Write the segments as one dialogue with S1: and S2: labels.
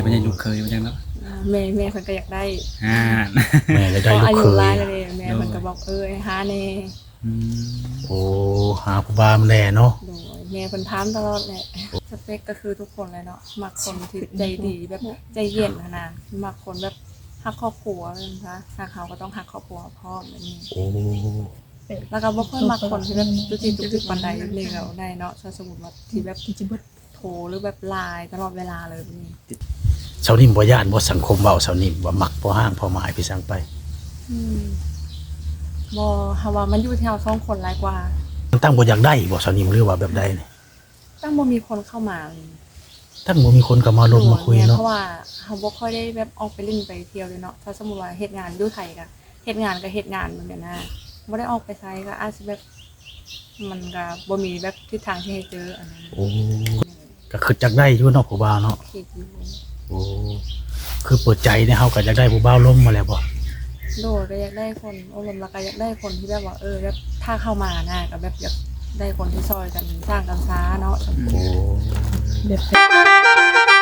S1: มันจะลูกเคยมันจังเนาะ
S2: แม่เพิ่นก็อยากได้
S3: แม่จะได้ลูก
S2: อายุ
S3: เค
S2: หลาย
S3: ย
S2: แล้วเด้แม่เพิ่นก็บอกหาแน่
S3: โอ้หาผู้บ่าวแน่เนาะ
S2: โดยแม่เพิ่นถามตลอดแหละสเปคก็คือทุกคนเลยเนาะมักคนที่ใจดีแบบใจเย็นขนาดมักคนแบบฮักครอบครัวนะคะถ้าเขาก็ต้องฮักครอบครัวพร้อมแบบนี้
S3: โอ้
S2: แล้วก็บ่ค่อยมักคนที่แบบจุกจิกจุกจิกปานใดนี่แล้วได้เนาะถ้าสมมุติว่าที่แบบโทรหรือแบบไลน์ตลอดเวลาเลยแบบนี้
S3: เสานิ่มบ่ย่านบ่สังคมเว้าเสานิ่มว่ามักบ่ห้างพอหมายพี่สั่งไป
S2: บ่ฮาว่ามันอยู่ที่เราสองคนหลายกว่า
S3: ตั้งบ่อยากได้บ่เสานิ่มหรือว่าแบบใดนี่
S2: ตั้งบ่มีคนเข้ามาเลย
S3: ตั้งบ่มีคนเข้ามาลงมาคุยเนาะ
S2: เพราะว่าเฮาบ่ค่อยได้แบบออกไปเล่นไปเที่ยวเลยเนาะถ้าสมมุติว่าเฮ็ดงานอยู่ไทยก็เฮ็ดงานก็เฮ็ดงานเหมือนกันนะบ่ได้ออกไปไสก็อาจสิแบบมันก็บ่มีแบบทิศทางที่ให้เจออันนั้น
S3: โอ้ก็คือจักได้อยู่เนาะผู้บ่าวเนาะ
S2: คิดอยู่
S3: โอ้คือเปิดใจเนี่ยเฮาก็อยากได้ผู้บ่าวล้มมาแล้วบ่
S2: โดดก็อยากได้คนอารมณ์แล้วก็อยากได้คนที่แบบว่าแบบถ้าเข้ามานะก็แบบอยากได้คนที่ซอยกันสร้างกันซ้าเนาะ
S3: โอ้
S4: แบบ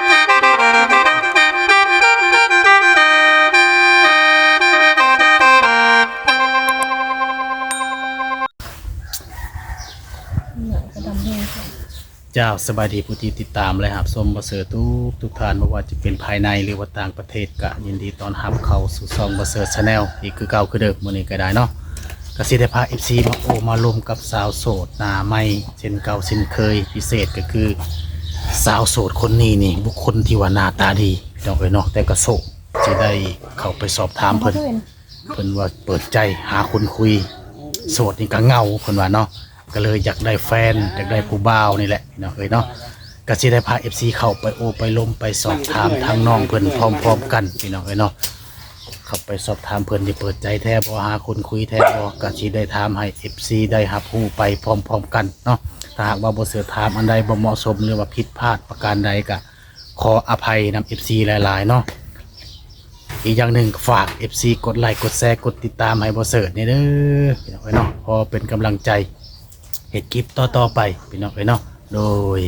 S4: กระดำแห้งค่ะ
S3: เจ้าสบายดีผู้ที่ติดตามและรับชมบ่เสือทุกท่านบ่ว่าจะเป็นภายในหรือว่าต่างประเทศก็ยินดีต้อนรับเข้าสู่ช่องบ่เสือ Channel อีกคือเก่าคือเดิมมื้อนี้ก็ได้เนาะก็สิได้พา FC มามาร่วมกับสาวโสดหน้าใหม่เช่นเก่าเช่นเคยพิเศษก็คือสาวโสดคนนี้นี่บุคคลที่ว่าหน้าตาดีพี่น้องเอ้ยเนาะแต่ก็โสดสิได้เข้าไปสอบถามเพิ่นว่าเปิดใจหาคนคุยโสดนี่ก็เหงาเพิ่นว่าเนาะก็เลยอยากได้แฟนอยากได้ผู้บ่าวนี่แหละพี่น้องเอ้ยเนาะก็สิได้พา FC เข้าไปไปล้มไปสอบถามทางน้องเพิ่นพร้อมๆกันพี่น้องเอ้ยเนาะเข้าไปสอบถามเพิ่นที่เปิดใจแท้บ่หาคนคุยแท้บ่ก็สิได้ถามให้ FC ได้รับรู้ไปพร้อมๆกันเนาะถ้าหากว่าบ่เสือถามอันใดบ่เหมาะสมหรือว่าผิดพลาดประการใดก็ขออภัยนำ FC หลายๆเนาะอีกอย่างหนึ่งฝาก FC กดไลค์กดแชร์กดติดตามให้บ่เสิร์ชนี่เด้อพี่น้องเอ้ยเนาะพอเป็นกำลังใจเฮ็ดคลิปต่อๆไปพี่น้องเอ้ยเนาะโดย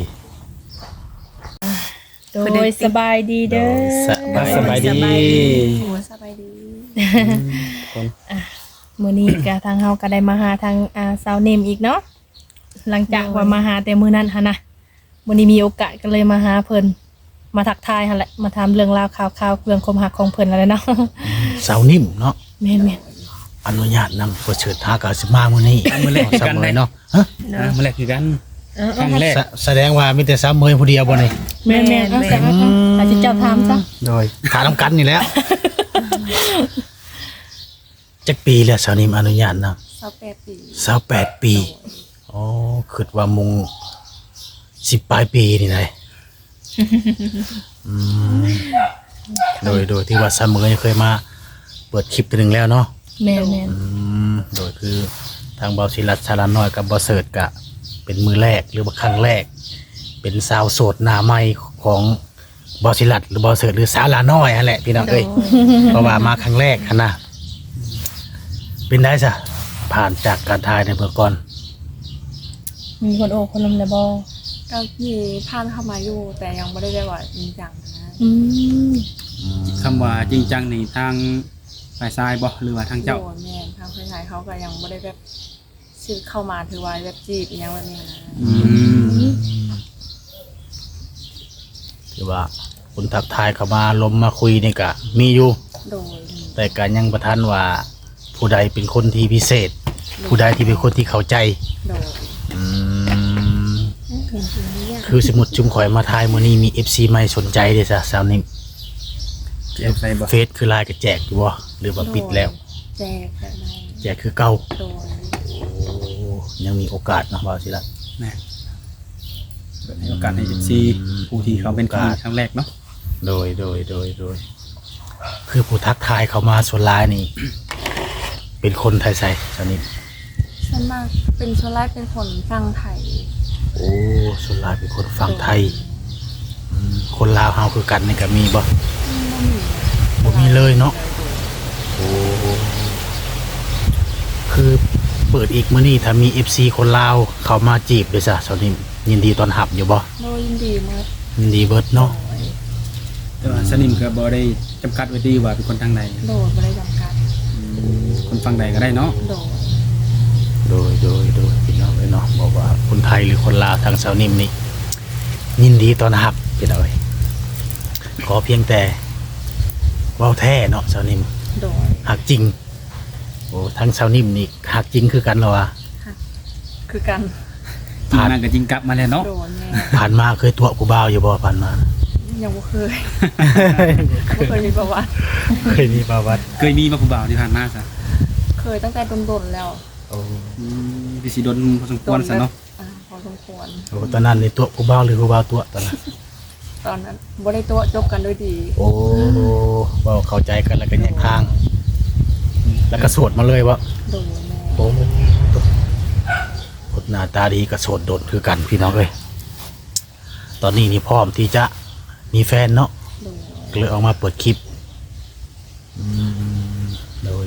S4: โดยสบายดีเด้อ
S3: สบายดี
S2: หัวสบายดี
S4: มื้อนี้ก็ทางเฮาก็ได้มาหาทางสาวเนมอีกเนาะหลังจากว่ามาหาแต่มื้อนั้นหั่นนะมื้อนี้มีโอกาสก็เลยมาหาเพิ่นมาทักทายหั่นแหละมาถามเรื่องราวข่าวๆเรื่องความรักของเพิ่นแล้วแหละเนาะ
S3: สาวนิ่มเนาะ
S4: แม่น
S3: อนุญาตนำบ่เชิญทากาสิมามื้อนี้
S1: มื้อแรกคือกัน
S3: มื้อเนาะฮะ
S1: มื้อแรกคือกันครั้งแรก
S3: แสดงว่ามีแต่สาวเมยผู้เดียวบ่นี่
S4: แม่นเอาซะอาจจะเจ้าถามซะ
S3: โดยถามกันนี่แหล้วจักปีแล้วสาวนิ่มอนุญาตนำ
S2: 28 ปี
S3: 28ปีอ๋อคิดว่ามุง10ปลายปีนี่ไดอืมโดยที่ว่าสาวเมยเคยมาเปิดคลิปตัวหนึงแล้วเนาะ
S4: แม่น
S3: โดยคือทางเบาศิลัดชาลาน้อยกับบอเสิร์ตกะเป็นมือแรกหรือว่าครั้งแรก เป็นสาวโสดหน้าใหม่ของเบาศิลัดหรือบอเสิร์ตหรือสาวลาน้อยนั่นแหละพี่น้องเอ้ยเพราะว่ามาครั้งแรกหั้นนะเป็นได้จ้ะผ่านจากการถ่ายในเมื่อก่อน
S4: มีคนโอ้คนลมแล้วบ่
S2: ก็มีผ่านเข้ามาอยู่แต่ยังไม่ได้ว่าจริงจังนะ
S4: อืม
S1: คำว่าจริงจังในทางฝ่ายซ้ายบ่หรือว่าทางเจ้า
S2: โดนแม่ทางเพื่อนชายเขาก็ยังไม่ได้แบบชื่อเข้ามาถือว่าแบบจีบอหยังแบบนี้นะ
S3: ถือว่าคุณทักทายเข้ามาลมมาคุยนี่กะมีอยู่
S2: โดย
S3: แต่การยังประทันว่าผู้ใดเป็นคนที่พิเศษ ผู้ใดที่เป็นคนที่เข้าใจ
S2: โดย
S3: อืมคือสมมุดจุ่มข่อยมาทายมื้อนี้มี FC ใหม่สนใจเด้อจ้ะสาวนิ่ม
S1: แจกไปบ่
S3: เฟซคือไลน์ก็แจกอยู่บ่หรือว่าปิดแล้ว
S2: แจกแบบไหน
S3: แจกคือเก่า
S2: โดย
S3: โอ้ยังมีโอกาสเนาะบ่าวสิละ
S1: แม่เปิดให้โอกาสให้ FC ผู้ที่เขาเป็นคนครั้งแรกเนาะ
S3: โดยคือผู้ทักทายเข้ามาส่วนหลายนี่ เป็นคนไทยใส่สาวนิ่ม
S2: ส่วนมากเป็นส่วนแรกเป็นคนฟังไทย
S3: โอ้ส่วนหลายเป็นคนฝั่งไทยคนลาวเฮาคือกันนี่ก็มีบ่บ่มีเลยเนาะโอ้คือเปิดอีกมื้อนี้ถ้ามี FC คนลาวเข้ามาจีบเด้อจ้ะสาวนิ่มยินดีต้อนรับอยู่บ่
S2: โดยยินดีมาก
S3: ยินดีเบิดเนาะ
S1: แต่ว่าสนิมก็บ่ได้จำกัดไว้ดีว่าเป็นคนทางใด
S2: โดยบ่ได้จำกัด
S1: คนฟังใดก็ได้เนาะ
S2: โดย
S3: โดยพี่น้องเนาะบอกว่าคนไทยหรือคนลาวทางสาวนิ่มนี่ยินดีต้อนรับพี่น้องขอเพียงแต่เว้าแท้เนาะสาวนิ่ม
S2: โดย
S3: หักจริงโอ้ทั้งสาวนิ่มนี่หักจริงคือกันเหรอวะ
S2: คือกัน
S1: ผ่านก็จริงกลับมาแล้วเนาะ
S2: โดนแม่
S3: ผ่านมาเคยตัวผู้บ่าวอยู่บ่ผ่านมา
S2: ยังบ่เคยบ่เคยมีประวัติ
S3: เคยมีประวัติ
S1: เคยมีมาผู้บ่าวที่ผ่านมาซะ
S2: เคยตั้งแต่ดนๆแล้ว
S3: โอ้
S1: พี่สิโดนพอสมควรซะเนาะ
S2: พอสมควร
S3: โหตอนนั้นในตัวผู้บ่าวหรือผู้บ่าวตัวตอนนั้น
S2: ตอนนั้นบ่ได้ตัวจบกันด้วยดี
S3: โอ้เว้าเข้าใจกันแล้วก็แยกทาง แล้วก็โสดมาเลยวะ
S2: โดนแม่
S3: โอ้คนหน้าตาดีก็โสดโดดคือกันพี่น้องเลยตอนนี้นี่พร้อมที่จะมีแฟนเนาะ
S2: โดน
S3: ก็เลยออกมาเปิดคลิปโดย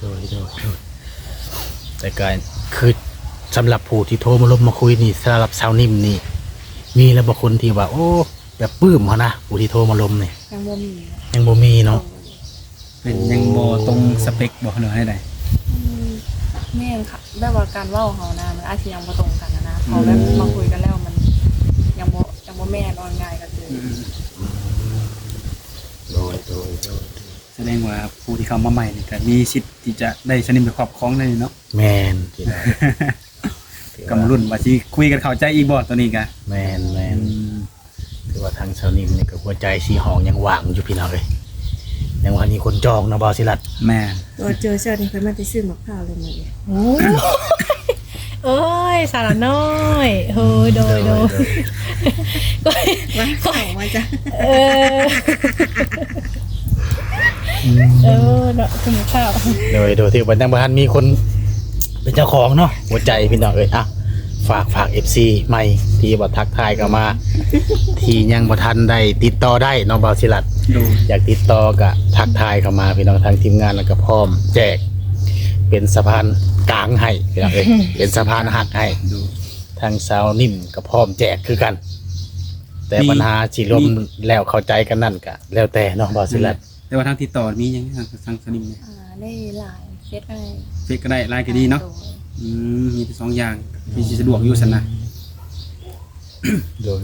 S3: แต่การคือสำหรับผู้ที่โทรมาลบมาคุยนี่สำหรับสาวนิ่มนี่มีแล้วบางคนที่ว่า โอ้แบบปลื้มเขานะผู้ที่โทรมาลมนี่
S2: ยังบ่มี
S3: ยังบ่มีเนาะ
S1: เป็นยังบ่ตรงสเปคบ่เหลือให้ใด
S2: แม่นค่ะแบบว่าการเว้าเฮานะมันอาจสิยังบ่ตรงกันนะพอแบบมาคุยกันแล้วมันยังบ่แม่นออนง่ายกันเลย
S3: โดย
S1: แสดงว่าผู้ที่เข้ามาใหม่นี่ก็มีสิทธิ์ที่จะได้สนิมไปครอบครองได้เนาะ
S3: แมนพี่น้อง
S1: กำรุ่นว่าสิคุยกันเข้าใจอีกบ่ตัวนี้ก็
S3: แมนคือว่าทางสาวนิ่มนี่ก็หัวใจสีหองยังว่างอยู่พี่น้องเลยยังว่ามีคนจองนะบอสิลัด
S1: แม่
S5: ตัวเจอเช้านี่เขามาไปซื้อมะพร้าวเลยมื้อนี้
S4: โอ้เอ้ยสารน้อยเฮ้ยโดย
S5: ว่าเข้ามาจ้ะ
S4: เออเนาะคุณข้าว
S3: โดยที่วันยังบ่ทันมีคนเป็นเจ้าของเนาะหัวใจพี่น้องเอ้ยอ่ะฝาก FC ใหม่ที่บ่ทักทายเข้ามา ที่ยังบ่ทันได้ติดต่อได้เนาะบอสิลัด
S1: ดู
S3: อยากติดต่อก็ทักทายเข้ามาพี่น้องทางทีมงานแล้วก็พร้อมแจกเป็นสะพานกลางให้พี่น้องเอ้ยเป็นสะพานหักให้
S1: ดู
S3: ทางสาวนิ่มก็พร้อมแจกคือกัน แต่ปัญหาสิลมแล้วเข้าใจกันนั่นก็แล้วแต่เนาะบอสิลัด
S1: แต่ว่าทางติดต่อมีหยังทางสนิมเนี่ย
S2: ได้หลายเฟซอะไร
S1: เฟซก็ได้ไลน์ก็ดีเนาะมีแต่สองอย่างมีสิสะดวกอยู่ซั่นนะ
S3: โดย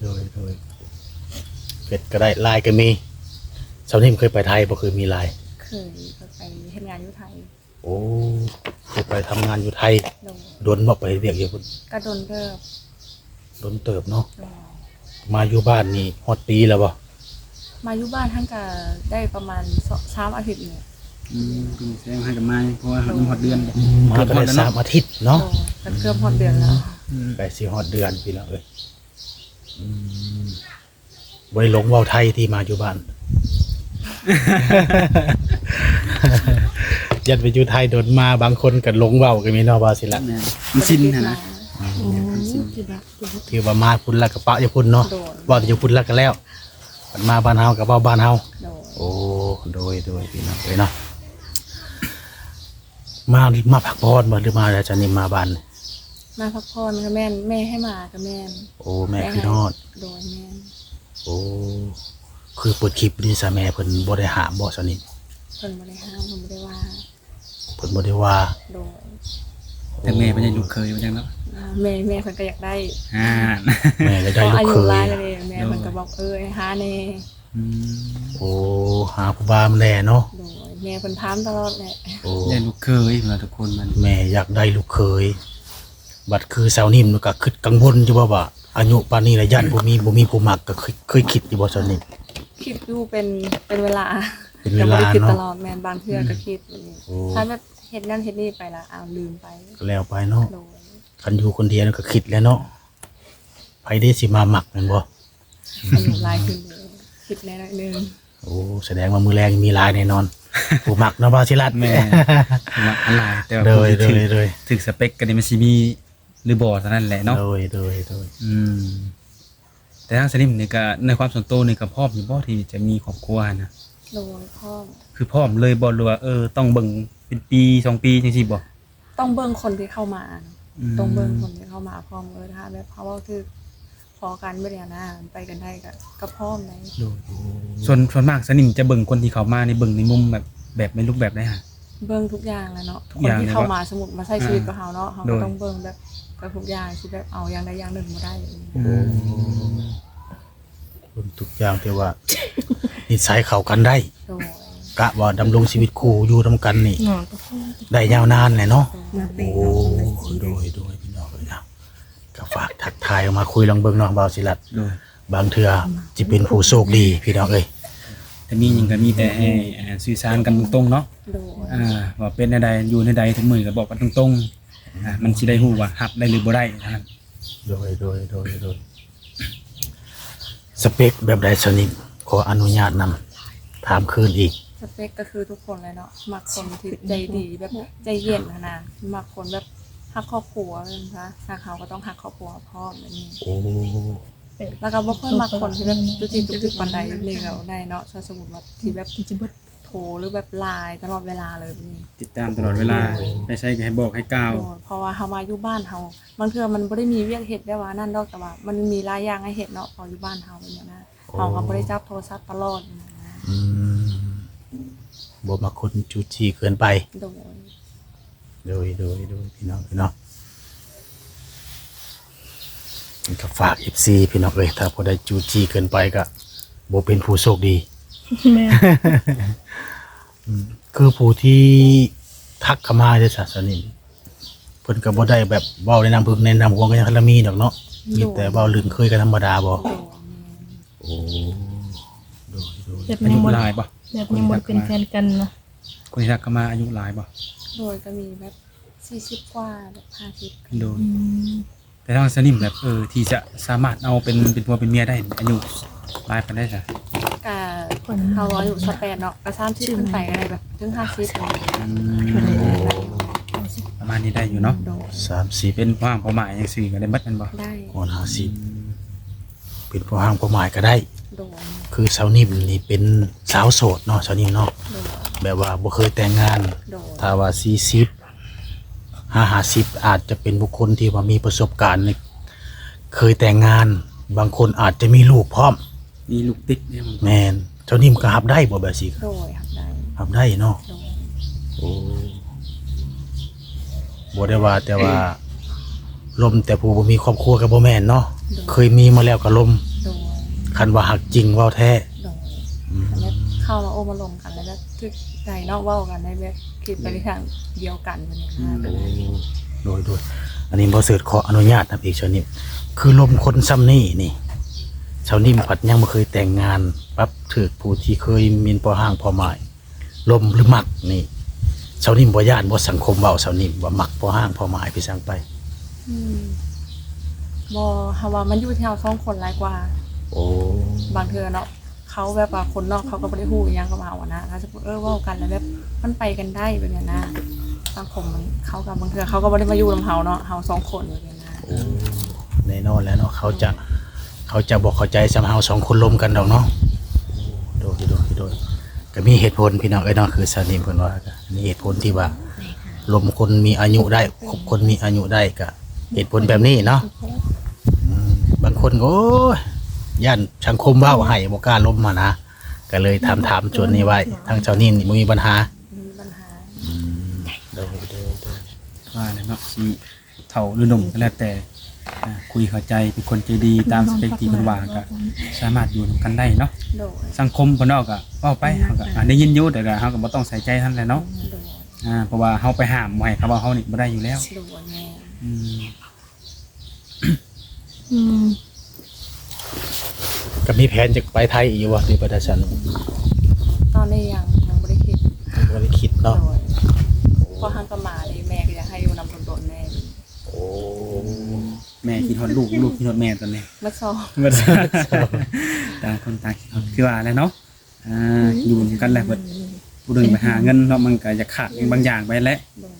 S3: เป็ดก็ได้ลายก็มีสาวนิ่มเคยไปไทยบ่เคยมีลาย
S2: เคยไปเฮ็ดงานอยู่ไทย
S3: โอ้เคยไปทำงานอยู่ไทย
S2: โดน
S3: โดนบ่ไปเรียกอยู่พุ่น
S2: ก็โดนเลิก
S3: โดนเติบเนาะ
S2: โดน
S3: มาอยู่บ้านนี่ฮอดปีแล้วบ่
S2: มาอยู่บ้านท่านก็ได้ประมาณ3อาทิตย์เนี่ย
S1: คุณแสดงให้กับมาเพราะว่ามันฮอดเดือน
S3: มาก็ได้3อาทิตย์เนาะ
S2: โดนก็เกือบหมดเดือนแล้ว
S3: ไปสิฮอดเดือนพี่น้องเอ้ยบ่ได้หลงเว้าไทยที่มาอยู่บ้าน ยัดไปอยู่ไทยโดนมาบางคนก็หลงเว้าก็มีเนาะว่าสิล่ะ
S1: แม่มันสิ้นนะ
S3: ถือว่ามาพุ่นแล้วก็ปะอยู่พุ่นเนาะ
S2: โดน
S3: ว่าอยู่พุ่นแล้วก็แล้วมันมาบ้านเฮาก็เว้าบ้านเฮา
S2: โดน
S3: โอ้โดยพี่น้องเอ้ยเนาะมาพักผ่อนบ่หรือมาแล้วจะนี่มาบ้าน
S2: มาพักผ่อนกับแม่นแม่ให้มากับแม่น
S3: โอ้แม่พี่นอด
S2: โดนแม่น
S3: โอ้คือเปิดคลิปนี่ซะแม่เพิ่นบ่ได้ห้ามบ่ซะนี่
S2: เพิ่นบ่ได้ห้ามเพิ่นบ่ได้ว่า
S3: เพิ่นบ่ได้ว่า
S2: โดน
S1: แต่แม่ไม่ได้ลูกเคยว่าจังเนาะ
S2: แม่เพิ่นก็อยากได้
S3: แม่ก็ได้
S2: พอ
S3: ลูก
S2: อา
S3: เค
S2: ยุ
S3: ย
S2: หลายแล้วเด้แม่เพิ่นก็บอกให้หาแน่
S3: โอ้หาผู้บ่าวมาแน่เนาะ
S2: โดนแม่เพิ่นถามตลอดแหละ
S3: โอ้
S1: ได้ลูกเคยเหมือนทุกคนมัน
S3: แม่อยากได้ลูกเคยบัดคือสาวนิ่มก็คิดกังวลอยู่ว่าอายุปานนี้แล้วยันบ่มีผู้มักก็เคยคิดอยู่บ่ซะนี่
S2: คิดอยู่เป็นเวลา
S3: เป็นเวลา
S2: แต่บ่ได้คิด
S3: เนาะ
S2: ตลอดแม่นบางเทื่อก็คิดอย่างนี้
S3: โอ้
S2: ถ้าแบบเฮ็ดนั่นเฮ็ดนี่ไปละลืมไป
S3: ก็แล้วไปเนาะ
S2: โดน
S3: คันอยู่คนเดียวก็คิดแล้วเนาะไผได้สิมามักแม่นบ่
S2: อายุหลายขึ้นเลยคิดแน่หน่อยนึง
S3: โอ้แสดงว่ามือแรงมีหลายแน่นอน ผู้มักเนาะบ่าวสิรัตน์
S1: แม่ว่าอะไรแต่ว่า
S3: โดย
S1: ผู้ที่
S3: โดย
S1: ถึกสเปคก็นี่มันสิมีหรือบ่เท่านั้นแหละเนาะ
S3: โดย
S1: แต่ทางสนิมนี่ก็ในความส่วนตัวนี่ก็พร้อมอยู่บ่ที่จะมีครอบครัวนะ
S2: โดนพ่อ
S1: คือพร้อมเลยบ่หรือว่าต้องเบิ่งเป็นปี2ปีจังซี่บ่
S2: ต้องเบิ่งคนที่เข้ามาต้องเบิ่งคนที่เข้ามาพร้อมถ้าแบบเพราะว่าคือคอกันบ่ได้หน้าไปกันได้ก็พร้อมเลย
S1: โดยส่วนมากสนิมจะเบิ่งคนที่เขามาในเบิ่งในมุมแบบในรูปแบบได้ฮะ
S2: เบิ่งทุกอย่างแหละเนาะ
S1: ทุก
S2: ค
S1: อน ย่าง
S2: ที่
S1: เลย
S2: เข้า
S1: ว่า
S2: มาสมมุติมาใช้ชีวิตกับเฮาเนาะเฮา
S1: โด
S2: ก็
S1: ย
S2: ต้องเบิ่งแบบกับทุกอย่างสิแบบเอาอย่างใดอย่างหนึ่งบ่ได้
S3: เบิ่งทุกอย่างที่ว่า นิสัยเข้ากันได้
S2: โดย
S3: กะว่าดำรงชีวิตคู่อยู่นํกันนี่
S4: เนาะ
S3: ได้ยาวนานแหละเนาะ
S5: มาเป
S3: โอ้
S5: เอาคนละสี
S3: โดยพี่น้องเอ้ยนะก็ฝากทักทายออกมาคุยลองเบิ่งเนาะบ่าวศิลัด
S1: โดย
S3: บางเทื่อสิเป็นผู้โชคดีพี่น้องเอ้ย
S1: แต่มีหยังก็มีแต่ให้สื่อสารกันตรงๆเนาะ
S2: โดย
S1: ว่าเป็นในใดอยู่ในใดทุกมื้อก็บอกกันตรงๆมันสิได้ฮู้ว่ารับได้หรือบ่ได้นะครับ
S3: โดยสเปคแบบใดสนิทขออนุญาตนำถามคืนอีก
S2: สเปคก็คือทุกคนเลยเนาะมักคนที่ใจดีแบบใจเย็นนะมักคนแบบฮักครอบครัวนะคะทางเขาก็ต้องฮักครอบครัวพ่อแบบนี้
S3: โอ้
S2: แล้วก็บ่ค่อยมักคนที่แบบจุจิจุกปานใดนี่ก็ได้เนาะถ้าสมมุติว่าที่แบบโทรหรือแบบไลน์ตลอดเวลาเลยแบบนี้
S1: ติดตามตลอดเวลาไม่ใช่ให้บอกให้กล่าว
S2: เพราะว่าเฮามาอยู่บ้านเฮาบางเทื่อมันบ่ได้มีเวียกเฮ็ดได้ว่านั่นดอกแต่ว่ามันมีหลายอย่างให้เฮ็ดเนาะพออยู่บ้านเฮาเป็นอย่างนั้นเฮาก็บ่ได้จับโทรศัพท์ตลอดนะ
S3: อืมบ่มาคนจูจีเกินไป
S2: โดย
S3: โดยพี่น้องนี่ก็ฝาก FC พี่น้องเอ้ยถ้าบ่ได้จูจีเกินไปก็บ่เป็นผู้โชคดี
S4: แม่
S3: คือผู้ที่ทักเข้ามาได้ศาสนิมเพิ่นก็บ่ได้แบบเว้าแนะนำพึกแนะนำของกันคันละมีดอกเนาะมีแต่เว้าลื่นเคยกันธรรมดาบ่
S2: โดย
S3: โอ้โดย
S4: แบบ
S1: อา
S4: ยั
S1: ยุ
S4: งบ่
S1: หลายบ่
S4: แบบยังบ่เป็นแฟนกันเนาะ
S1: คนที่ทักเข้ามาอายุหลายบ่
S2: โดยก็มีแบบ40กว่าแบบ50
S1: โดย
S4: อืม
S1: แต่ถ้าสนิมแบบที่จะสามารถเอาเป็นผัวเป็นเมียได้อายุหลายปานใดซะ
S2: ก็เฮาอายุ18เนาะก็30ขึ้นไปก็ได้แบบถึง50เลย
S1: ประมาณนี้ได้อยู่เนาะ
S2: โดย
S3: 30
S1: เป็นความเป้าหมายจังซี่ก็ได้เบิดแม่นบ่
S2: ได้
S3: ก่อน50เป็นผู้ห่างผู้หมายก็ได้
S2: โดย
S3: คือสาวนิ่มนี่เป็นสาวโสดเนาะสาวนิ่มเนาะ
S2: โดย
S3: แบบว่าบ่เคยแต่งงาน
S2: โดย
S3: ถ้าว่า40 50อาจจะเป็นบุคคลที่ว่ามีประสบการณ์ในเคยแต่งงาน บางคนอาจจะมีลูกพร้อม
S1: มีลูกติดเนี่ยมัน
S3: แม่นเจ้านิ่มก็รับได้บ่แบบสิ
S2: โดยครับได้
S3: รับได้เนาะ
S2: โดย
S3: โอ้บ่ได้ว่าแต่ว่าลมแต่ผู้บ่มีครอบครัวก็บ่แม่นเนาะเคยมีมาแล้วก็ลม
S2: โดย
S3: คันว่าหักจริงเว้าแท้
S2: โดยแล้วเข้ามาโอมาลงกันแล้วก็ทึกใจเนอกว่ากันได้แบบคิดไปในทางเดียวกันแบบนี้นะก็ได้
S3: โดยอันนี้บ่เสิร์ชขออนุญาตนะพี่ชาวนิ่มคือลมคนซ้ำนี่นี่ชาวนิ่มผัดยังบ่เคยแต่งงานปั๊บถูกผู้ที่เคยมีพอห้างพอหมายลมหรือมักนี่ชาวนิ่มบ่ย่านบ่สังคมเว้าชาวนิ่มว่ามักพอห้างพอหมายพี่สั่งไป
S2: อืมบ่ฮาว่ามันอยู่ที่เฮาสองคนหลายกว่า
S3: โอ้
S2: บางเทื่อเนาะเขาแบบว่าคนนอกเขาก็บ่ได้ฮู้อิหยังกับเฮาอะนะถ้าสมมุติเว้ากันแล้วแบบมันไปกันได้แบบนี้นะสังคมมันเขากับบางเทื่อเขาก็บ่ได้มาอยู่กับเฮาเนาะเฮาสองคนแบบนี้นะ
S3: แน่นอนแล้วเนาะเขาจะบอกเข้าใจสำเฮาสองคนลมกันดอกเนาะโดยก็มีเหตุผลพี่น้องเอ้ยเนาะคือสนิมเพิ่นว่าก็มีเหตุผลที่ว่าลมคนมีอายุได้คบคนมีอายุได้ก็เหตุผลแบบนี้เนาะบางคนก็โอ้ยย่านสังคมเว้าให้บ่กล้าลมมานะก็เลยถามชวนนี้ไว้ทางเจ้านี่บ่มีปัญหา
S2: มีปัญหา
S3: โดย
S1: ว่าแล้วเนาะสิเฒ่าหรือหนุ่มก็แล้วแต่คุยเข้าใจเป็นคนใจดีตามสเปคที่เพิ่นว่าก็สามารถอยู่นำกันได้เนาะ
S2: โดย
S1: สังคมเพิ่นเนาะก็เว้าไปเฮาก็ได้ยินอยู่แต่ก็เฮาก็บ่ต้องใส่ใจท่านแหละเนาะ
S2: โดย
S1: เพราะว่าเฮาไปห้ามบ่ให้เขาว่าเฮานี่บ่ได้อยู่แล้ว
S2: โดยแม่
S1: อืม
S4: อืม
S3: ก็มีแผนจะไปไทยอีกอยู่บ่ที่ประเทศฉัน
S2: ตอนนี้ยังบ่ได้คิด
S3: บ่ได้คิด
S2: โด
S3: เนาะ
S2: ยพอหันก็มาเลยแม่ก็อยากให้อยู่นำโดนๆแม่
S3: โอ้
S1: แม่คิดฮอดลูกคิดฮอดแม่ตอนนี้
S2: มาสอบ
S1: เบิดต่างคนต่างคิดฮอดคือว่าแหละเนาะอยู่นำกันแหละเบิดผู้หนึงไปหาเงินเนาะมันก็จะขาดบางอย่างไปแหละ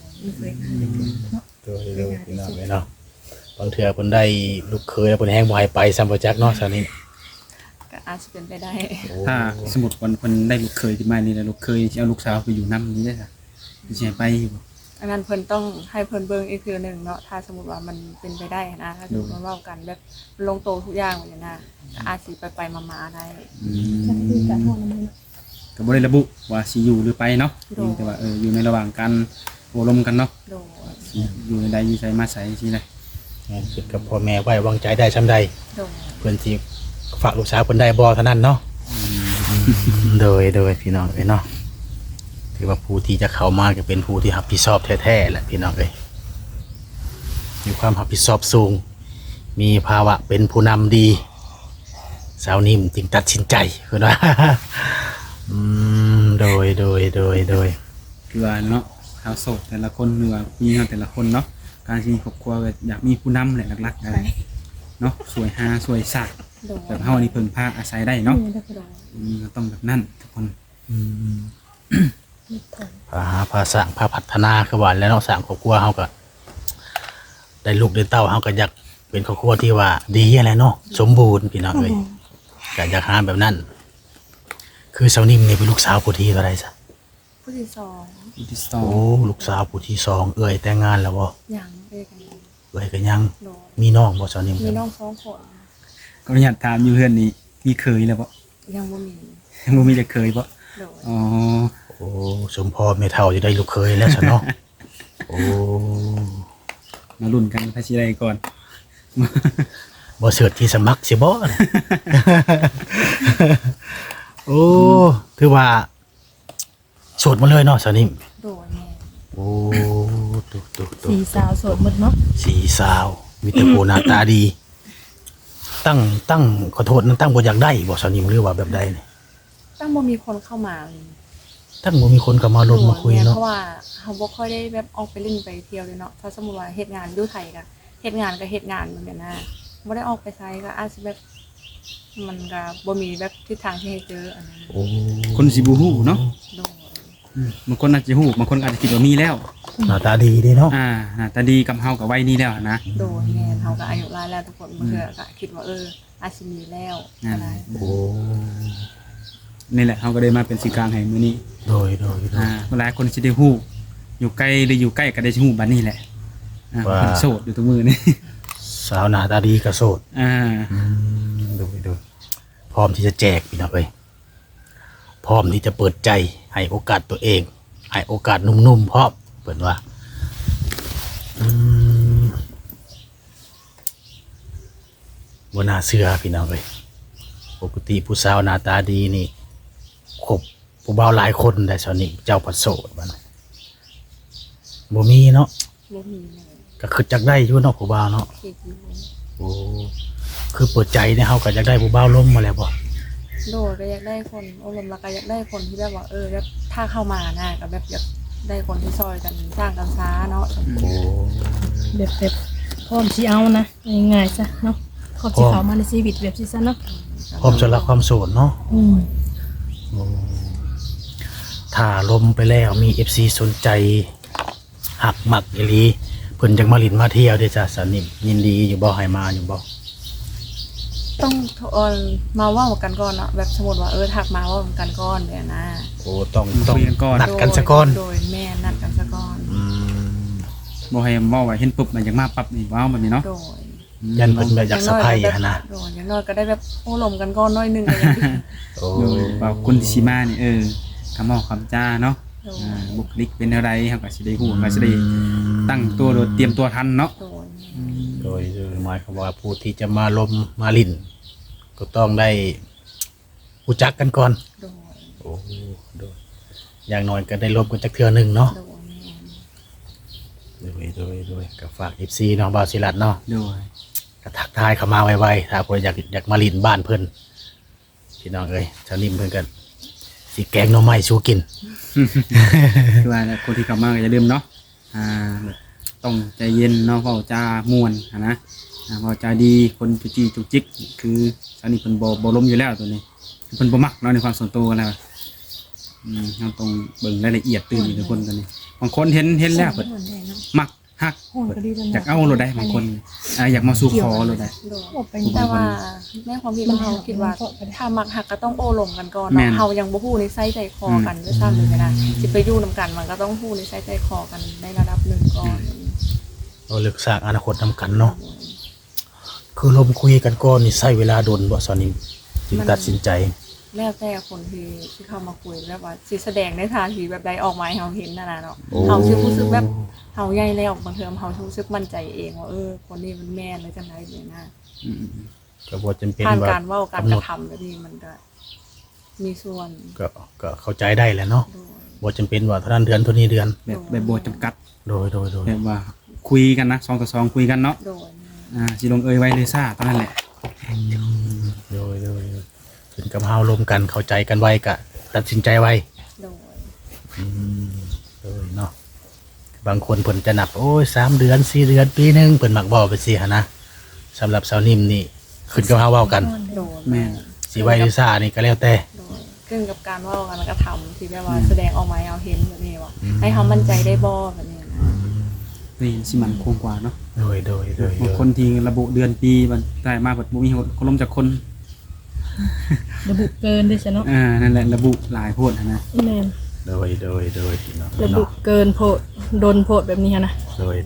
S2: โดย
S3: โดยพี่น้องเนาะบางเทื่อเพิ่นได้ลูกเคยแล้วเพิ่นแฮงบ่ให้ไปซ้ำบ่จักเนาะซะนี่
S2: ก็อาจจะเป็นไปได้
S1: ถ้าสมมุติวันได้ลูกเคยขึ้นมานี่แล้วลูกเคยสิเอาลูกสาวไปอยู่นำนี่ได้ซะสิให้ไปอยู่บ่
S2: กอันนั้นเพิ่นต้องให้เพิ่นเบิ่งอีกเทื่อหนึงเนาะถ้าสมมุติว่ามันเป็นไปได้นะถ้าสมมุติว่าเว้ากันแบบลงโตวทุกอย่างแบบนี้นะก็อาจสิไปมาๆได้
S4: ก็คือการห้องน้ำมัน
S1: ก็บ่ได้ระบุว่าสิอยู่หรือไปเนาะ
S2: โดย
S1: แต่ว่าอยู่ในระหว่างการโอบรมกันเนาะ
S2: โดย
S1: สิอยู่ในใดอยู่ไสมาไสสิได้
S3: คิดกับพ่อแม่ไว้วางใจได้ช่ำใด
S2: โดย
S3: เพื่อนที่ฝากลูกสาวเพิ่นได้บ่เท่านั้นเนาะโดยพี่น้องเอ้ยเนาะถือว่าผู้ที่จะเข้ามาก็เป็นผู้ที่รับผิดชอบแท้ๆแหละพี่น้องเอ้ยมีความรับผิดชอบสูง มีภาวะเป็นผู้นำดีสาวนิ่มจึงตัดสินใจเพิ่นว่า โดย
S1: คือว่าเนาะชาวโสดแต่ละคนหรือว่าผู้หญิงแต่ละคนเนาะการที่มีครอบครัวก็อยากมีผู้นำแหละหลักๆอะไรเนาะสวยหาสวยสัก
S2: โดย
S1: แบบเฮานี่เพิ่งพาอาศัยได้เนาะ
S2: โดย
S1: ก็ต้องแบบนั้นทุกคน
S3: พาสร้างพาพัฒนาคือว่าแล้วเนาะสร้างครอบครัวเฮาก็ได้ลูกได้เต้าเฮาก็อยากเป็นครอบครัวที่ว่าดีอะไรเนาะสมบูรณ์พี่น้องเอ้ยก็อยากหาแบบนั้น คือสาวนิ่มนี่เป็นลูกสาวผู้ที่เท่าไหร่ซะ
S2: ผู้ที่สอง
S1: อีที่สอ
S3: โอ้
S1: ง
S3: ลูกสาวผู้ที่สองเอ้ยแต่งงานแล้วบ่
S2: ยังเอ้ยกัน
S3: เอ้ยก็ยัง
S2: โดย
S3: มีน้องบ่สาวนิ่ม
S2: มีน้องสองคน
S1: ก็อยากถามอยู่เพื่อนนี่มีเคยแล้วบ่
S2: ยังบ่มี
S1: ยังบ่มีจะเคยบ่
S2: โดย
S1: อ๋อ
S3: โอ้สมพอแม่เฒ่าจะได้ลูกเคยแล้วซะเนาะโอ้
S1: มาลุ้นกันพาสิได้ก่อน
S3: บ่เสิร์ชที่สมัครสิบ่ โอ้ถือว่าโสดมาเลยเนาะสาวนิ่ม
S2: โดยแม่
S3: โอ้ตุ
S4: สีสาวโสดหมดเนาะ
S3: สีสาวมีแต่ผู้หน้าตาดี ตั้งขอโทษนั้นตั้งบ่อยากได้บ่สาวนิ่มหรือว่าแบบใดนี่
S2: ตั้งบ่มีคนเข้ามา
S3: ตั้งบ่มีคนเข้ามาลงมาคุย
S2: โด
S3: เนาะ
S2: เพราะว่าเฮาบ่ค่อยได้แบบออกไปเล่นไปเที่ยวเลยเนาะถ้าสมมุติว่าเฮ็ดงานอยู่ไทยก็เฮ็ดงานแบบนี้นะบ่ได้ออกไปไสก็อาจสิแบบมันก็บ่มีแบบทิศทางที่ให้เจออันนั้น
S3: โอ้
S1: คนสิบ่ฮู้เนาะ
S2: โดย
S1: บางคนอาจจะฮู้บางคนอาจจะคิดว่ามีแล้ว
S3: หน้าตาดีเด้เนาะ
S1: หน้าตาดีกับเฮากับวัยนี้แล้วนะ
S2: โดยแม่นเฮาก็อายุหลายแล้วทุกคนบางเทื่อก็คิดว่าอาจสิมีแล้วอะไร
S3: โอ้
S1: นี่แหละเฮาก็ได้มาเป็นสื่อกลางให้มื้อนี้
S3: โดย
S1: หลายคนสิได้ฮู้อยู่ไกลหรืออยู่ใกล้ก็ได้ฮู้บัดนี้แหละเพิ่นโสดอยู่ทุกมื้อนี่
S3: สาวหน้าตาดีก็โสด โดยพร้อมที่จะแจกพี่น้องเอ้ยพร้อมที่จะเปิดใจให้โอกาสตัวเองให้โอกาสหนุ่มๆพร้อมเปิดว่าบนหน้าเสือพี่น้องเอ้ยปกติผู้สาวหน้าตาดีนี่คบผู้บ่าวหลายคนแต่สาวนี่เจ้าผัดโสดบ้านบ่มีเนาะ
S2: บ่มีเลย
S3: ก็คือจักได้อยู่เนาะผู้บ่าวเนาะ
S2: คิดอยู่
S3: โอ้คือเปิดใจเนี่ยเฮาก็อยากได้ผู้บ่าวล้มมาแล้วบ่
S2: โดยก็อยากได้คนอารมณ์แล้วก็อยากได้คนที่แบบว่าแบบถ้าเข้ามานะก็แบบอยากได้คนที่ซอยกันสร้างกันช้าเนาะ
S3: โอ้
S4: แบบพร้อมสิเอานะง่ายๆซะเนาะพร้อมสิเข้ามาในชีวิตแบบสิซะเนาะ
S3: พร้อมจะรักความโสดเนาะ ถ้าล้มไปแล้วมี FC สนใจหักหมักอีหลีเพิ่นจักมาลินมาเที่ยวเด้อจ้ะสาวนิ่มยินดีอยู่บ่ให้มาอยู่บ่
S2: ต้องมาเว่ากันก่อนเนาะแบบสมมติว่าทักมาเว่ากันก่อนเนี่ยนะ
S3: โอ้ต้อง
S1: คุยกันก่อน
S3: นัดกันซะก่อน
S2: โดยแม่นัดกันซะก่อน
S1: บ่ให้เว้าว่าเห็นปุ๊บมันอยากมาปั๊บนี่ว้าวแบบนี้เนาะ
S2: โดย
S3: ยันเพิ่นแบบอยากสะใภ้อะนะ
S2: โดยอย่างน้อยก็ได้แบบโอ้ลมกันก่อนหน้อยหนึงก็ยังดี
S3: โอ้
S1: โดยว่าคนที่สิมานี่คำเว้าคำจ้าเนาะ
S2: โดย
S1: บุคลิกเป็นอะไรเฮาก็สิได้ฮู้ก็สิได้ตั้งตัวโดยเตรียมตัวทันเนาะ
S2: โดย
S3: โดยหมายความว่าผู้ที่จะมาล้มมาลินก็ต้องได้รู้จักกันก่อน
S2: โดย
S3: โอ้โดยอย่างน้อยก็ได้ล้มกันจักเทื่อหนึงเนาะ
S2: โดยแม่
S3: โดยก็ฝาก FC น้องบ่าวศิลัดเนาะ
S1: โดย
S3: ก็ทักทายเข้ามาไวๆถ้าเพิ่นอยากมาลินบ้านเพิ่นพี่น้องเอ้ยชาวนิ่มเพิ่นกันสิแกงหน่อไม้สู้กิน
S1: คือว่าคนที่เข้ามาก็อย่าลืมเนาะต้องใจเย็นเนาะเว้าจาม่วนนะเว้าจาดีคนจุจี้จุกจิกคือสานี่เพิ่นบ่ล้มอยู่แล้วตัวนี้เพิ่นบ่มักเนาะในความส่วนตัวแล้วเราต้องเบิ่งรายละเอียดตื่นทุกคนตัวนี้บางคนเห็นแล้วเพิ่นมักฮัก
S4: โหก็ดีจัง
S1: อยากเอาเราได้บางคนอยากมาสู่ขอเราได้
S2: โดย
S4: บอกไป
S2: แต่ว่าแม่ความคิดของเราคิดว่าถ้ามักหักก็ต้องโอ้ลมกันก่อนเนาะเฮายังบ่ฮู้นิสัยใจคอกันด้วยซ้ำเลยนะสิไปอยู่นํกันมันก็ต้องฮู้นิสัยใจคอกันในระดับหนึงก่อน
S3: เราเลือกสร้างอนาคตนำกันเนาะคือลมคุยกันก่อนนี่ใช้เวลาโดนบ่สาวนิ่มจึงตัดสินใจ
S2: แล้วแต่คนที่เข้ามาคุยแบบว่าสิแสดงในทางที่แบบใดออกมาให้เฮาเห็นนั่นน่ะเนาะ
S3: โอ้
S2: เฮาสิรู้สึกแบบเฮาใหญ่แล้วบางเทอมเฮารู้สึกมั่นใจเองว่าคนนี้มันแม่นหรือจังได๋เนี่ยนะ
S3: ก็บ่จำเป็น
S2: ผ่าน
S3: ว่า
S2: การเว้าการ
S3: กำห
S2: ก
S3: น
S2: ระ
S3: ด
S2: ทำแบบนี้มันก็มีส่วน
S3: ก็เข้าใจได้แหละเนาะ
S2: โดย
S3: บ่จำเป็นว่าเท่านั้นเดือนเท่านี้เดือน
S1: แบบโบจำกัด
S3: โดย
S1: แบบว่าคุยกันนะ2 ต่อ 2คุยกันเนาะ
S2: โดย
S1: สิลงเอยไว้เลยซ่าตอนนั้นแหละ
S3: โดยถึงกับเฮาลมกันเข้าใจกันไวก็ตัดสินใจไว
S2: โดย
S3: โดยเนาะบางคนเพิ่นจะนับโอ้ย3 เดือน 4 เดือนปีหนึงเพิ่นมักเว้าไปสิหั่นนะสำหรับสาวนิ่มนี่ขึ้นกับเฮาเว้ากัน
S2: โดย
S1: แม่น
S3: สิไว้หรือซ่านี่ก็แล้วแต่
S2: โดยขึ้นกับการเว้าการกระทำที่แบบว่าแสดงออกมาให้เราเห็นแบบนี้ว่าให้เฮามั่นใจได้บ่แบบนี้นะ
S1: นี่สิมันคงกว่าเนาะ
S3: โดย
S1: บางคนที่ระบุเดือนปีมันได้มาแบบบ่มีคนล้มจากคน
S4: ระบุเกินด้วยซะเนาะ
S1: นั่นแหละระบุหลายโพดนะ
S4: แม่น
S3: โดยพี่น้อง
S4: ระบุเกินโพดโดนโพดแบบนี้หันนะ
S3: โดย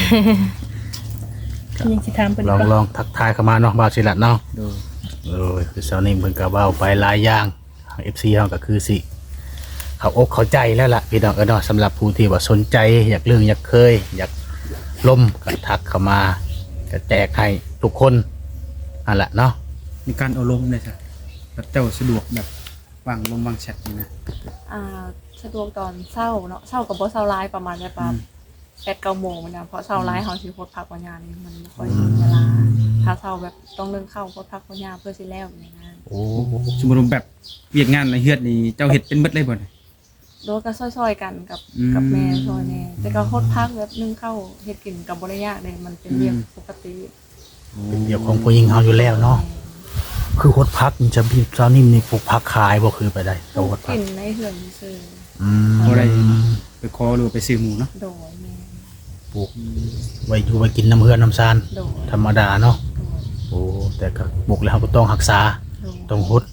S4: ยังสิถามเพิ่น
S3: ล
S4: อีก
S3: อง
S4: บ่
S3: ลองทักทายเข้ามาเนาะบ่าวศิลัดเนาะ
S1: โดย
S3: โดยคือสาวนิ่มเพิ่นก็เว้าไปหลายอย่าง FC เฮาก็คือสิเข้าอกเข้าใจแล้วล่ะพี่น้องเนาะสำหรับผู้ที่ว่าสนใจอยากเรื่องอยากเคย อยากล่มก็ทักเข้ามาก็แจกให้ทุกคนนั่นแหละเนาะ
S1: มีการเอาลมเลยจ้ะแบบเจ้าสะดวกแบบวางลมวางแชทนี่นะ
S2: สะดวกตอนเช้าเนาะเช้ากับบ่เช้าหลายประมาณแบบว่า8-9 โมงมันนะเพราะเช้าหลายเฮาสิโพสต์พักวันยานี่มันบ่ค่อยมีเวลาถ้าเช้าแบบต้องเรื่องเข้าโพสต์พักวันยาเพื่อสิแล้วอย่างนี้นะ
S3: โอ้
S1: สมมุติว่าแบบเวียกงานอะไรเฮือดนี่เจ้าเฮ็ดเป็นเบิดเลยบ่เนี่ย
S2: โดยก็ซอยๆกันกับแม่ซอยแม่แต่ก็โพสต์พักแบบนึ่งเข้าเฮ็ดกินกับบ่ได้ยากเลยมันเป็นเรื่องปกติ
S3: เป็นเดี๋ยวของผู้หญิงเฮาอยู่แล้วเนาะคือฮดพักนี่จะมีสาวนิ่มนี่ปลูกผักขายบ่คือไปได้
S2: ป
S3: ก็
S2: ลู
S3: ฮ
S2: ก
S3: ดพั
S2: กิ
S3: ก
S2: นในเฮือนซื่อ
S1: บ่ได้ไปขอหรือว่าไปซื้อหมูเนาะ
S2: โดยแม่
S3: ปลูกไว้อยู่ไว้กินน้ำเฮือนน้ำซาน
S2: โดย
S3: ธรรมดาเนาะ
S2: โดย
S3: โอ้แต่ก็ปลูกแล้วก็ต้องรักษา
S2: โดย
S3: ต้องฮด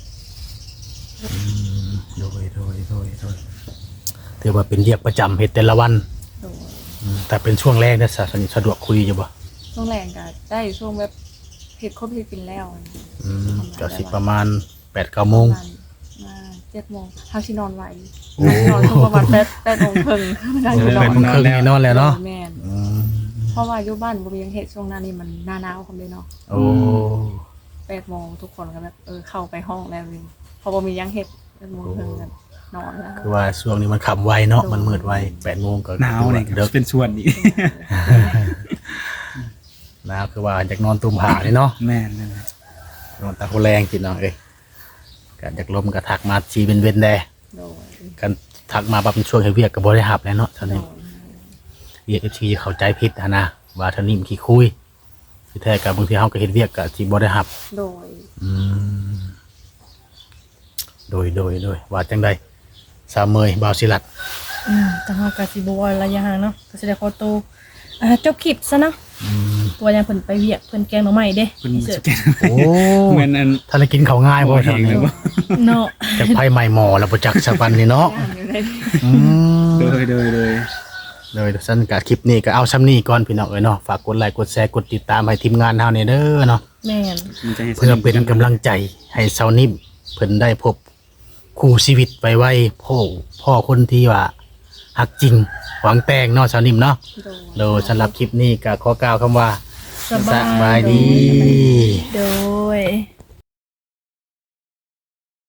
S3: โดยถือว่าเป็นเรียกประจำเฮ็ดแต่ละวัน
S2: โดย
S3: แต่เป็นช่วงแรกเนี่ยสะดวกคุยอยู่บ่
S2: ช่วงแรงก็ได้ช่วงแบบเฮ็ดครบที่กินแล้ว
S3: ก็สิประมาณ 8-9 โมง
S2: มา7 โมงเฮาสินอนไว
S3: โอ้
S2: นอนช่วงประมาณ8 โมงครึ่งได้
S3: โอ้
S2: สินอ
S3: แปด
S2: น
S3: โมงครึ่งนี่นอนแล้วเนาะ
S2: แม่น
S3: อืม
S2: เพราะว่าอยู่บ้านบ่มีหยังเฮ็ดช่วงหน้านี้มันหน้าหนาวคำเด้เนาะ
S3: โอ้
S2: 8 โมงทุกคนก็แบบเข้าไปห้องแล้วเลยพอบ่มีหยังเฮ็ด8 โมงครึ่งก็นอนแล้ว
S3: คือว่าช่วงนี้มันค่ำไวเนาะมันมืดไว8 โมงก็
S1: หนาวนี่
S3: เด็ก
S1: เป็นส่วนนี้
S3: หนาวคือว่าอยากนอนตุ่มผ้านี่เนาะ
S1: แม่นนั่นแหละ
S3: นอนตาโคแรงกินเนาะก็อยากลมก็ทักมาชีเป็นเว้นแด
S2: โดย
S3: กันทักมาแบบเป็นช่วงให้เวียกก็บ่ได้รับแล้วเนาะท่าน
S2: โด
S3: นี้
S2: ย
S3: เวียก FC เข้าใจผิดนะว่าท่านนี้มันขี้คุยที่แท้ก็บางทีเฮาก็เฮ็ดเวียกก็สิบ่ได้รับ
S2: โดย
S3: โดยว่าจังใดสาวเมยบ่าวศิลัด
S4: แต่เฮาก็สิบ่ว่าระยะห่างเนาะก็สิได้ขอตัวจบคลิปซะเนาะตัวยังเพิ่นไปเวียกเพิ่นแกงหน่อไม้เด้
S1: เพิ่น
S4: เสิ
S1: ส
S4: ร์ฟ
S1: แกน
S3: โอ้
S1: เหมือนอัน
S3: ท่านได้กินข้าวง่ายบ่ท่าน
S1: เอง
S3: นี้
S1: เลยบ่
S4: เนาะ
S3: จากไผใหม่หมอแล้วบ่จักสักวันนี่เนาะ
S2: ย่างอยู่ในนี้
S1: โดย
S3: สั้นกับคลิปนี้ก็เอาซ้ำนี้ก่อนพี่น้องเอ้ยเนาะฝากกดไลค์กดแชร์กดติดตามให้ทีมงานเฮาเนี่ยเด้อเนาะ
S4: แม่น
S1: มันจะให้
S3: เพื่อเป็นกำลังใจให้เซานิ่มเพิ่นได้พบคู่ชีวิตไวๆพ่อคนที่ว่าฮักจริงหวังแต่งเนาะเซานิ่มเนาะ
S2: โดย
S3: โดยสำหรับคลิปนี้ก็ขอกล่าวคำว่า
S4: สบาย
S3: บายดี
S4: โดย